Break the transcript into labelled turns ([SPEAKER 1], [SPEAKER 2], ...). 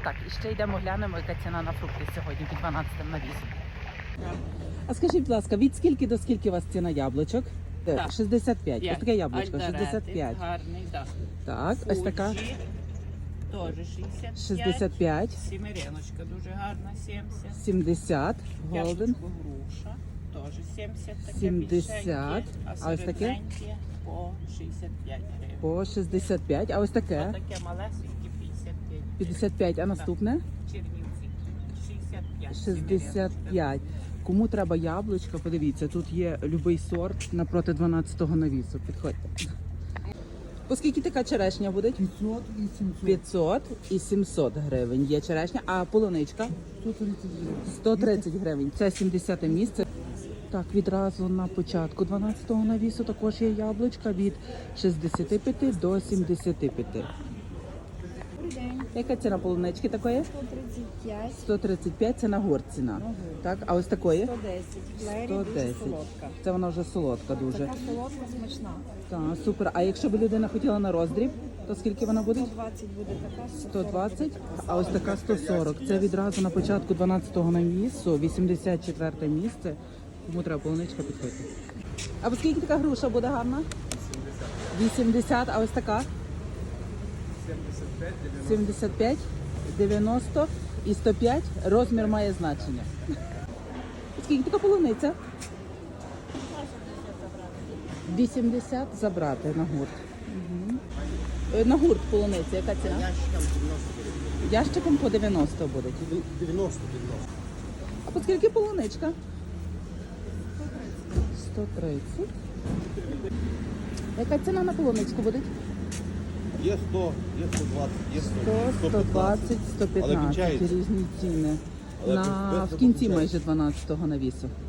[SPEAKER 1] Так, і ще йдемо глянемо, яка ціна на фрукти сьогодні під 12 навісом.
[SPEAKER 2] А скажіть, будь ласка, від скільки до скільки у вас ціна яблучок?
[SPEAKER 1] Так.
[SPEAKER 2] 65. Ось таке яблучко,
[SPEAKER 1] Альдоретти,
[SPEAKER 2] 65.
[SPEAKER 1] гарний, так.
[SPEAKER 2] Так, ось така
[SPEAKER 1] Фуджі, теж 65.
[SPEAKER 2] 65.
[SPEAKER 1] Сімереночка дуже гарна, 70.
[SPEAKER 2] 70. Голден.
[SPEAKER 1] Яблучко груша, теж 70. Таке
[SPEAKER 2] 70.
[SPEAKER 1] більшеньке,
[SPEAKER 2] А ось таке?
[SPEAKER 1] середненьке по 65 гривень.
[SPEAKER 2] По 65. А ось таке?
[SPEAKER 1] Таке малесеньке 55.
[SPEAKER 2] 55. А наступне?
[SPEAKER 1] Чернівці 65.
[SPEAKER 2] 65. Кому треба яблучко, подивіться, тут є любий сорт напроти 12-го навісу. Підходьте. По скільки така черешня буде?
[SPEAKER 3] 500 і 700.
[SPEAKER 2] 500 і 700 гривень є черешня, а полуничка?
[SPEAKER 3] 130 гривень.
[SPEAKER 2] 130 гривень. Це 70 місце. Так, відразу на початку 12-го навісу також є яблучка від 65 до 75. Яка ціна полунички такої?
[SPEAKER 4] 135,
[SPEAKER 2] 135 це на гурт ціна. Так, а ось такої?
[SPEAKER 4] 110.
[SPEAKER 2] 110.
[SPEAKER 4] Солодка.
[SPEAKER 2] Це вона вже солодка дуже.
[SPEAKER 4] Така солодка, смачна.
[SPEAKER 2] Так, супер. А якщо б людина хотіла на роздріб, то скільки вона буде?
[SPEAKER 4] 120 буде така.
[SPEAKER 2] 120, а ось така 140. Це відразу на початку 12-го навісу, 84 місце. Кому треба полуничка, підходьте. А скільки така груша буде гарна? 80, а ось така? 75, 90 і 105. Розмір має значення. Скільки така полуниця? 80 забрати на гурт. Угу. На гурт полуниця, яка ціна? Ящиком по 90 буде.
[SPEAKER 3] 90.
[SPEAKER 2] А по скільки полуничка? 130. Яка ціна на полуничку буде?
[SPEAKER 3] Є 100, є 120, є
[SPEAKER 2] 100, 120, 115.
[SPEAKER 3] Але кінчається.
[SPEAKER 2] Різні ціни.
[SPEAKER 3] Але
[SPEAKER 2] В
[SPEAKER 3] без
[SPEAKER 2] кінці
[SPEAKER 3] кінчається.
[SPEAKER 2] майже 12-го навісу.